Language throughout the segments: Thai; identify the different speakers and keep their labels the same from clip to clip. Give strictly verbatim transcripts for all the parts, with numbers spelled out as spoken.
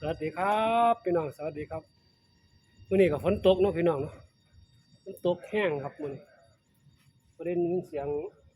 Speaker 1: วัสดีครับพี่น้องสวัสดีครับมื้อนี้ก็ฝนตกเนาะพี่น้องเนาะฝนตกแห้งครับมื้อนี้ประเด็นเสียง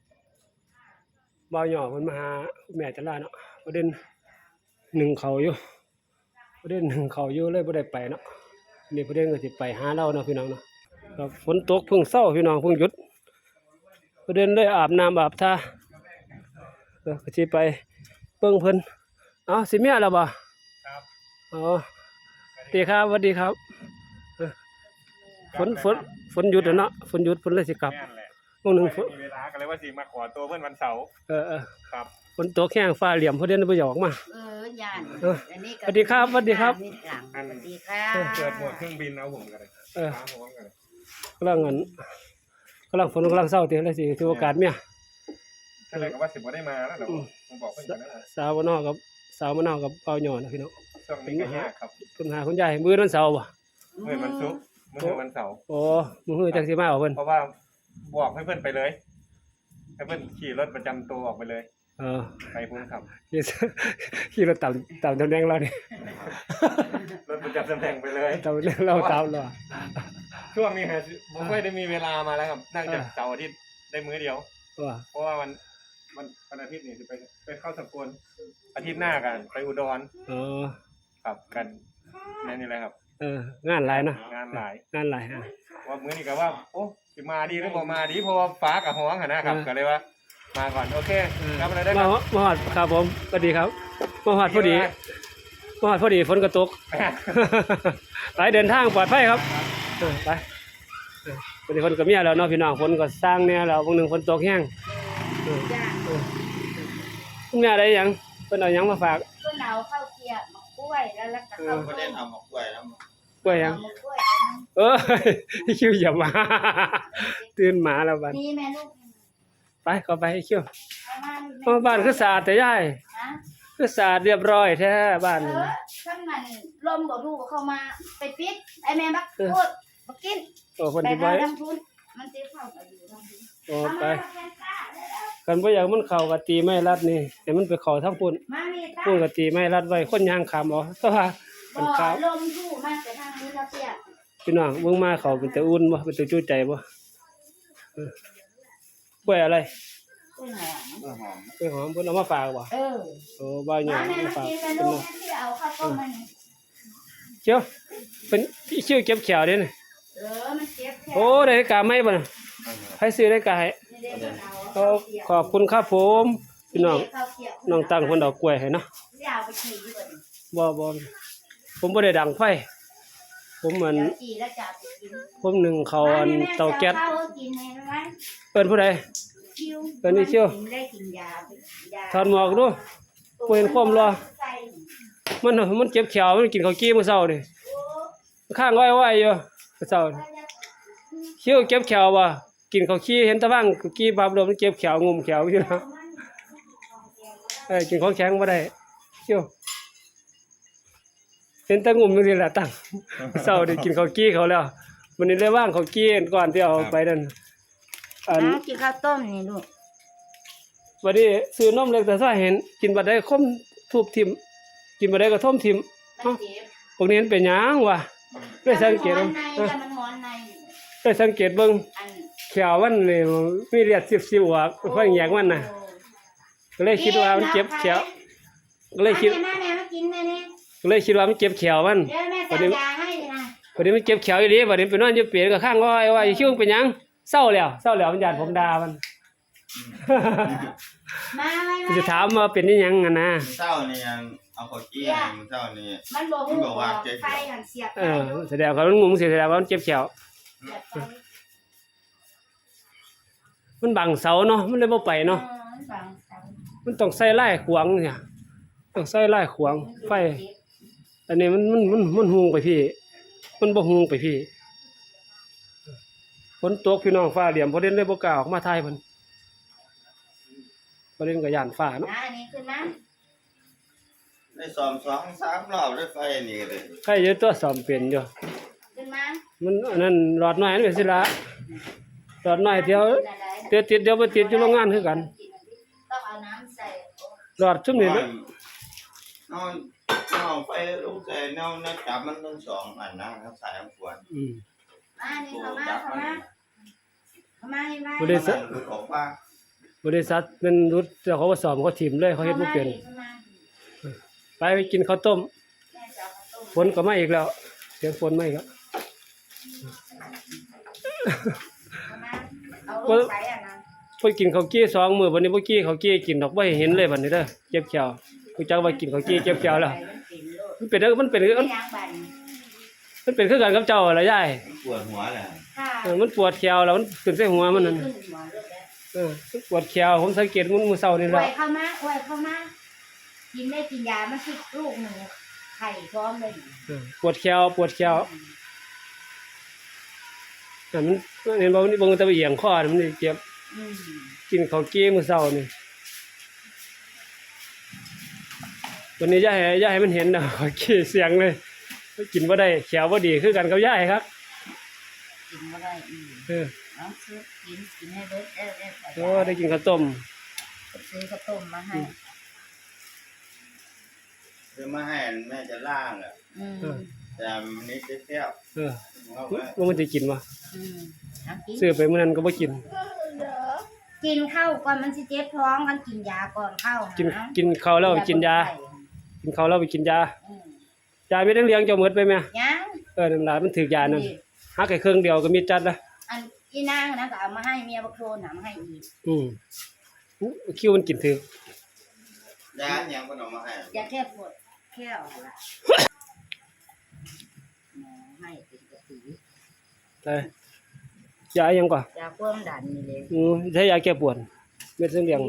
Speaker 1: บ่าวหย่อเพิ่นมาหาคุณแม่จันลาเนาะประเด็นหนึ่งเขาอยู่ประเด็นหนึ่งเขาอยู่เลยบ่ได้ไปเนาะนี่ประเด็นก็สิไปหาเราเนาะพี่น้องเนาะครับฝนตกเพิ่งเช้าพี่น้องเพิ่งหยุดประเด็นเลยอาบน้ำอาบท่าเออก็สิไปเบิ่งเพิ่นเอ้าสิเมียแล้วบ่
Speaker 2: ครับ
Speaker 1: อ๋อสวัสดีครับสวัสดีครับฝนฝนฝนหยุดแล้วเนาะฝนหยุดฝนเลยสิกลับ
Speaker 2: แม่นแหละ
Speaker 1: มื้อนึงฝน
Speaker 2: มีเวลากันเลยว่าสิมาขอตัวเพิ่นวันเสาร์
Speaker 1: เออเออ
Speaker 2: ครับ
Speaker 1: ฝนตกแห้งฟ้าเหลี่ยมพอเด่นบ่อยากออกมา
Speaker 3: เออย่าน
Speaker 1: เออ
Speaker 3: อันนี้ก็
Speaker 1: สวัสดีครับสวัสดีครับ
Speaker 3: สวัสดีครับ
Speaker 2: เปิดโหมดเครื่องบินเอาผมกันเลย
Speaker 1: เออ
Speaker 2: ฟ้าร้องกันเลย
Speaker 1: กำลังอันกำลังฝนกำลังเศร้าเตียเลยสิถือโอกาสเมีย
Speaker 2: ถ้าไหนก็ว่าสิบ่ได้มาแล้วเดี๋ยวผมบอกเพิ่นกันนะ
Speaker 1: สาวมะนาวกับสาวมะนาวกับเปาหย่อนะพี่น้อง
Speaker 2: ช่วงนี้ก็ยากครับ
Speaker 1: คุณหาคุณยายมื้อวันเสาร์บ่
Speaker 2: มื้อวันศุกร์มื้อวันเสาร์
Speaker 1: โอ้มื้อจังสิมาเอาเพิ่น
Speaker 2: เพราะว่าบอกให้เพิ่นไปเลยให้เพิ่นขี่รถประจำตัวออกไปเลย
Speaker 1: เออ
Speaker 2: ไปพุ่นครับ
Speaker 1: ขี่ขี่รถตามตามตำแหน่งเรานี่
Speaker 2: รถประจำตำแหน่งไปเลย
Speaker 1: ตามตำแหน่งเราตามเรา
Speaker 2: ช่วงนี้ฮะผมไม่ได้มีเวลามาแล้วครับนั่งจากเสาร์อาทิตย์ได้มื้อเดียว
Speaker 1: ว่า
Speaker 2: เพราะว่ามันมันวันอาทิตย์นี่จะไปไปเข้าสกลอาทิตย์หน้ากันไปอุดร
Speaker 1: เออ
Speaker 2: ครับกันนั่นนี่แหละครับ
Speaker 1: เอองานหลายเนาะ
Speaker 2: งานหลาย
Speaker 1: งานหลายฮะ
Speaker 2: ว่ามื้อนี้ก็ว่าโอ้สิมาดีหรือบ่มาดีเพราะว่าฟ้ากับห้องหั่นนะครับ
Speaker 1: เออ
Speaker 2: ก็เลยว่า มาก่อนโอเค
Speaker 1: เออ
Speaker 2: ครับอะไรได้ค
Speaker 1: มา
Speaker 2: รับ
Speaker 1: มาฮอดครับผมสวัสดีครับมาฮอดพอดีมาฮอดพอดีฝนก็ตก ไปเดินทางปลอดภัยครับเออไปเออวันนี้ฝนก็เมียแล้วเนาะพี่น้องฝนก็สร้างเนี่ยแล้วบางหนึ่งฝนตกแห้งเออ
Speaker 3: จ้า
Speaker 1: เออคุณแม่ได้หยังเพิ่นเอาหยังมาฝาก
Speaker 3: ก็เอาข้าวเกี๊ยวมะกล้วยแล้วแล้วก็ข้าว
Speaker 4: ก็
Speaker 3: ต้
Speaker 4: ได้
Speaker 3: ม
Speaker 4: ทำหมกกล้วยแล้ว
Speaker 1: กล้วยหยัง
Speaker 3: มะกล้วย
Speaker 1: เออ คิวอย่ามา ตื่นหมาแล้วบัด
Speaker 3: นี่แม่ลูก
Speaker 1: ไปเข้าไปให้คิว
Speaker 3: เอามา
Speaker 1: มาบ้านคือสะอาดแต่ยาย
Speaker 3: ฮะ
Speaker 1: คือสะอาดเรียบร้อยแท้บ้าน
Speaker 3: เอ
Speaker 1: นี่
Speaker 3: อท่านมันลมบ่รู้เข้ามาไปปิดไอ้แม่บักโคตรบักกิน
Speaker 1: โอ้เพิ่น
Speaker 3: ไป
Speaker 1: สิไป
Speaker 3: หาทำทุนมันสิเข้าไปอยู่ทำทุน
Speaker 1: โอ้
Speaker 3: เอา
Speaker 1: ไป
Speaker 3: มาแทนตาเลยแล้ว
Speaker 1: กันบ่อยากมันเข้าก็ตีไม้รัดนี่ให้มันไปเข้าทางปุ่น
Speaker 3: มามีตา
Speaker 1: ปุ่นก็ตีไม้รัดไว้คนย่างขามเอาแต่ว่า
Speaker 3: บ่
Speaker 1: มันขาว
Speaker 3: ลมทู่มากแต่ทางนี้ละเปียก
Speaker 1: พี่น้องเบิ่งมาเขาเป็นตะอุ่นบ่เป็นตะจู้ใจบ่เออกล้วยอะไร
Speaker 3: กล้วยหอม
Speaker 4: กล้วยหอม
Speaker 1: กล้วยหอมเพิ่นเอามาฝากบ่
Speaker 3: เออ
Speaker 1: โอ้บ่าวหยั
Speaker 3: มาง แม่
Speaker 1: มา
Speaker 3: มา
Speaker 1: ฝาก
Speaker 3: กินแม่
Speaker 1: เพิ่น
Speaker 3: ลูก
Speaker 1: เนาะ
Speaker 3: แม่ที่เอาข้าวต้มมัน
Speaker 1: เจียวเป็นอีคิวเก็บแขวเด้นี่
Speaker 3: เออมันเจ็บแค่
Speaker 1: โอ้ได้กาไหม่บ่น่ะใครซื้อได้กาให้
Speaker 3: นี่เด้มัน
Speaker 1: ก็
Speaker 3: เอาข้าวเกี๊ยว
Speaker 1: ขอบคุณครับผมพี่น้อง
Speaker 3: ข้าวเกี๊ยว
Speaker 1: น้องตั้งเพิ่นเอากล้วยให้เนาะ
Speaker 3: เดี๋ยวเอาไปขี่อยู่บน
Speaker 1: บ่บ่ผมบ่ได้ดังไฟผมเหมือน
Speaker 3: เดี๋ยวขี่แล้วจะเอาไปกิน
Speaker 1: ผมนึ่งข้าวอันเตาแก๊ส
Speaker 3: ข้าวกินให้ไหม
Speaker 1: เอิ้นผู้ใด
Speaker 3: คิว
Speaker 1: เอิ้นนี่คิว
Speaker 3: กินได้กินยาไปยา
Speaker 1: ถอดหมวกดูบ่เห็นความรอ
Speaker 3: ใส่
Speaker 1: มันมันเจ็บแขวมันกินข้าวกี้มื้อเช้านี่ข้างไว้ไว้อยู่มื้อเช้านี่คิวเก็บแขวบ่กินข้าวขี้เห็นตะบังข้าวกี้บาบลมมันเจ็บแขวงุมแขวอยู่นะเอ้ยกินของแข็งบ่ได้คิวเห็นแตะงุมจังซี่ล่ะตั้งมื้อเช้านี่กินข้าวกี้เขาแล้ววันนี้เลยว่างข้าวกี้ก่อนที่เอาไปนั่นอัน
Speaker 3: กินข้าวต้มนี่ลูก
Speaker 1: วันนี้ซื้อนมเล็กแต่ซ้าเห็นกินบัดได้คมทุบทิ่มกินบัดได้ก็ท่มทิ่ม
Speaker 3: มันเจ็บ
Speaker 1: พวกนี้มันเป็นหยังวะได้สังเกต
Speaker 3: มั
Speaker 1: เบิ่
Speaker 3: น
Speaker 1: ง
Speaker 3: หอนในแต่มันหอนใน
Speaker 1: ได้สังเกตเบิ่ง
Speaker 3: อัน
Speaker 1: แขวมันนี่มีเลือดซิบๆออกฟังแยกมันน่ะก็เลยคิดว่ามันเจ็บแขวก็เลยคิด
Speaker 3: แม่แม่มากินแม่เนี่ย
Speaker 1: ก็เลยคิดว่ามันเจ็บแขวมัน
Speaker 3: เดี๋ยวแม่จะยาให้นะ
Speaker 1: วันนี้มันเจ็บแขวอีหลีบัดนี้ไปนอนอยู่เปรตก็ข้างว่าว่าอีชิวเป็นหยังเศร้าแล้วเศร้าแล้วมันญาติผมด่ามัน
Speaker 3: มาไม่ไม่
Speaker 1: จะถามว่าเป็นอีหยังอ่ะนะ
Speaker 4: เช้านี่ยังเอาข้าวเกี้ยวมื้อเช้านี่
Speaker 3: มันบอก
Speaker 4: มันบอกว่าเจ็บ
Speaker 3: ไฟหันเสียบ
Speaker 1: เออแสดงว่ามันงงสิแสดงว่ามันเจ็บแขว
Speaker 3: เสียบไฟ
Speaker 1: มันบังเสาเนาะมันเลยบ่ไปเนาะ
Speaker 3: เออมันบังเสา
Speaker 1: มันต้องใส่ไล่ขวางเนี่ยต้องใส่ไล่ขวางไฟ อันนี้มันมันมันมันฮูงไปพี่ มันบ่ฮูงไปพี่ฝนตกพี่น้องฟ้าเหลี่ยมพอเด่นเลยบ่กล้าออกมาถ่ายเพิ่นพอเด่นก็ย่านฟ้าเนาะ
Speaker 3: อ่าอันนี้ขึ้นมา
Speaker 4: ได้ซ้อมสองสามรอบได้ไฟนี่เลย
Speaker 1: ใครอยู่ตัวซ่อมเป็นอยู่
Speaker 3: ขึ้นมา
Speaker 1: มันอันนั้นหลอดน้อยนั่นเป็นสิละหลอดน้อยเดี๋ยวเดี๋ยวติดเดี๋ยวบ่ติดอยู่โรงงานคือกัน
Speaker 3: ต้องเอาน้ำใส่
Speaker 1: หลอดซุมนี้
Speaker 4: น
Speaker 1: เนาะ
Speaker 4: อนนเอาไฟลงใส่แนวแนวจับมันทั้งสองอันนะครับสายอันขวด
Speaker 1: อืม
Speaker 3: มานี่เข้ามาเข้ามาเข้ามาให้ไว้
Speaker 1: บ่ได้
Speaker 4: มันหลุดออกมา
Speaker 1: บริษัทเป็นรุดเจ้าเขาว่าสอบเขาถิ่มเลยเขาเฮ็ดบ่เป็น
Speaker 3: เข้ามา
Speaker 1: ไปไปกินข้าวต้ม
Speaker 3: แม่จะเอาข้าวต้ม
Speaker 1: ฝนก็มาอีกแล้วเสียงฝนมาอีกแล้ว
Speaker 3: เข้ามาเอาลูกใส่อ่ะนะ
Speaker 1: เพิ่นกินข้าวกี้สองมื้อวันนี้บ่กี้ข้าวกี้กินดอกบ่ให้เห็นเลยบัดนี้เด้อเจ็บแขวรู้จักว่ากินข้าวกี้เจ็บแขวแล้ว มันเป็นเด้อมันเป็น
Speaker 3: ไม่
Speaker 1: มัน
Speaker 3: ยางบัน
Speaker 1: มันเป็นคือกันกับเจ้าล่ะยาย
Speaker 4: ปวดหัวเลย
Speaker 3: ค่ะ
Speaker 1: เออมันปวดแขวแล้วมันขึ้นใส่หัวมันนั่น
Speaker 3: ขึ้นหัวเลือดแล้ว
Speaker 1: เออมันปวดแขวผมสังเกตมันมื้อเช้านี่
Speaker 3: อ
Speaker 1: แห
Speaker 3: ว
Speaker 1: ละ
Speaker 3: ยเข้ามาอวยเข้ามากินได้กินยามันสิลูกหนึ่งไข่พร้อมเลย
Speaker 1: เออปวดแขวปวดแขวแต่มันเห็นบ่มันเบิ่งแต่ว่าเอียงคอนี่มันเจ็บ
Speaker 3: อืม
Speaker 1: กินข้าวกี้มื้อเช้านี่วันนี้ยายให้ยายให้มันเห็นนะข้าวกี้เสียงเลยกินบ่ได้แขวบ่ดีคือกันกับยายครับ
Speaker 3: กินก็ได้อืม
Speaker 1: เออ
Speaker 3: น้องซื้อกินกินให้เบิดได้ได้ใส่
Speaker 1: โอ้ได้กินข้าวต้ม
Speaker 3: ซื้อข้าวต้มมาให้
Speaker 4: คือมาให้แม่จะล่างอ่ะ
Speaker 3: อืม
Speaker 4: แต่มันนิดเดียว
Speaker 1: เออ
Speaker 4: เอาไว้
Speaker 1: ว่ามันจะกินบ่
Speaker 3: อืมเอากิน
Speaker 1: ซื้อไปมื้อนั้นก็บ่กิน
Speaker 3: กินข้าวก่อนมันสิเจ็บท้องกันกินยาก่อนเข้า
Speaker 1: กิน
Speaker 3: นะ
Speaker 1: กินข้าวแล้วกินยา กินข้าวแล้วไปกินยา
Speaker 3: อืม
Speaker 1: ยามีทั้งเลี้ยงเจ้าหมดไปแม่
Speaker 3: ยัง
Speaker 1: เออนั่นล่ะมันถึกยานั่นหักแค่ครึ่งเดียวก็มีจัดละ
Speaker 3: อันอีนางนะก็เอามาให้เมียบักโคลนหามาให้อีก
Speaker 1: อืมอู้คิวมันกินถึก
Speaker 4: ยาอย่างก็เอามาให้
Speaker 3: ยาแค่ปวดแค่เอาละหมอให้เป็นกระสี
Speaker 1: ไปยาอิหยังก่อน
Speaker 3: ยาความดันนี่เลย
Speaker 1: อืมใช้ยาแก้ปวดเม็ดเส้นเหลียง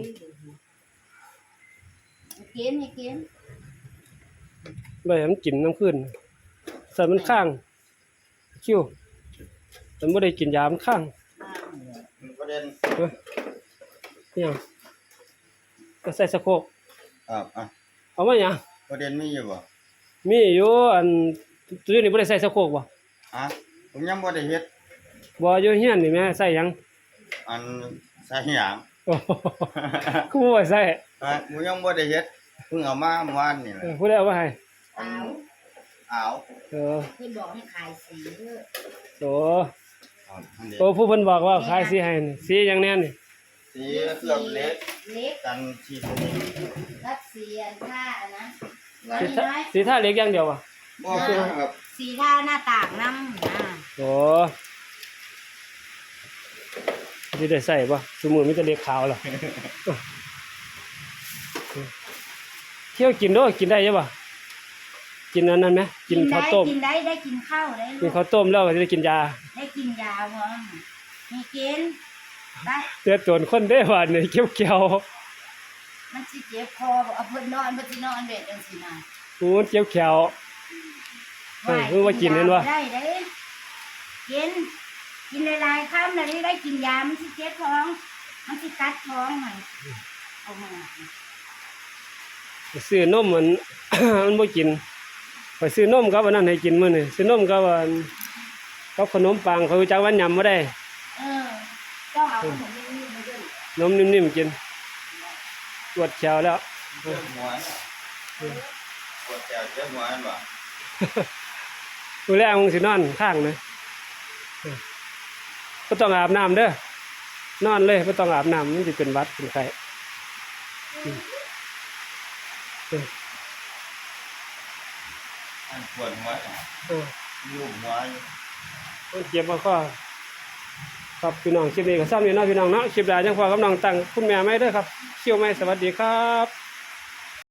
Speaker 3: กินให้กิน
Speaker 1: ไปให้มันกินน้ำขึ้นใส่มันข้าง คิวมันบ่ได้กินยามันข้าง
Speaker 4: มันประเด็น
Speaker 1: เอออิหยังก็ใส่สะโครก
Speaker 4: ครับอ่ะ
Speaker 1: เอามาหยัง
Speaker 4: ประเด็นมีอยู่บ่
Speaker 1: มีอยู่อันตัวนี้บ่ได้ใส่สะโครกบ่
Speaker 4: อ่ะผมยังบ่ได้เฮ็ด
Speaker 1: บ่อยู่เฮียนนี่แม่ใส่หยัง
Speaker 4: อันใส่หยาง
Speaker 1: โอ้โหกูบ่ว่าใส่
Speaker 4: อ่ะผมยังบ่ได้เฮ็ดเพิ่งเอามาเมื่อวานนี่แห
Speaker 1: เอ
Speaker 4: ละ
Speaker 1: อผู้ใดเอามาให้
Speaker 3: เอา
Speaker 4: อ้าว
Speaker 1: เออ
Speaker 3: เพิ่นบอกให้ขายสีเด้อ
Speaker 1: โอ้
Speaker 4: ครับอันนี้
Speaker 1: โอ้ผู้เพิ่นบอกว่าขายสีให้นี่สีหยังแน่นี่
Speaker 4: สีเคลือบเล็ก
Speaker 3: เล็ก
Speaker 4: กันชีสนิท
Speaker 3: รับสีอันท่าอันนะ
Speaker 1: สี
Speaker 3: นี่
Speaker 1: ท่า
Speaker 3: น้อย
Speaker 1: สีท่าเล็กอย่างเดียวอ่ะ
Speaker 4: บ่ครับ
Speaker 3: สีท่าหน้าต่างน้ำนะ
Speaker 1: โอ้สิได้ใส่บ่สมมุติมีแต่เล็กขาวล่ะเที่ยวกินเด้อกินได้ใช่ป่ะกินอันนั้นไหมกินข้าวต้ม
Speaker 3: กินได้ได้กินข้าวได้
Speaker 1: กินข้าวต้มแล้วก็สิได้กินยา
Speaker 3: ได้กินยาพร้อมมีกินได้
Speaker 1: เตือนตนคนได้ว่านี่เกี่ยวๆ
Speaker 3: มันสิเจ็บคอบอกเอาเพิ่นนอนเพิ่นสินอนเบ็ดจังซี่นะ
Speaker 1: กูมันเกี่ยวแขว เออเพิ่งว่ากินเห็นวะ
Speaker 3: ได้เด้กิน กินหลายๆคำแล้วได้กินยามันสิเจ็บท้อง มันสิกัดท้องมันเอามา
Speaker 1: ซื้อนมมัน มันบ่กินไปซื้อนมกับอันนั้นให้กินมื้อนี่ซื้อนมกับอันกับขนมปังเขารู้จักว่าหยำบ่ได้
Speaker 3: เออต้องเอาขนมนิ่มๆมาด้วย
Speaker 1: นมนิ่มๆกินปวดแขวแล้ว
Speaker 4: เจ็บหัวน่ะปวดแขวเจ็บหัวนั่นบ่
Speaker 1: มื้อแรกมึงสินอนข้างนะเออบ่ต้องอาบน้ำเด้อ นอนเลยบ่ต้องอาบน้ำมันสิเป็นหวัดเป็นไข้อืมเออ
Speaker 4: อันปวดหัวน่ะ
Speaker 1: เออ
Speaker 4: ลูบหัวอยู่
Speaker 1: มันเจ็บมาข้อครับพี่น้องคลิปนี้ก็ซ้ำนี่เนาะพี่น้องเนาะคลิปหน้าจังพอกับน้องตั้งคุณแม่ไหมเด้อครับเชี่ยวไหมสวัสดีครับ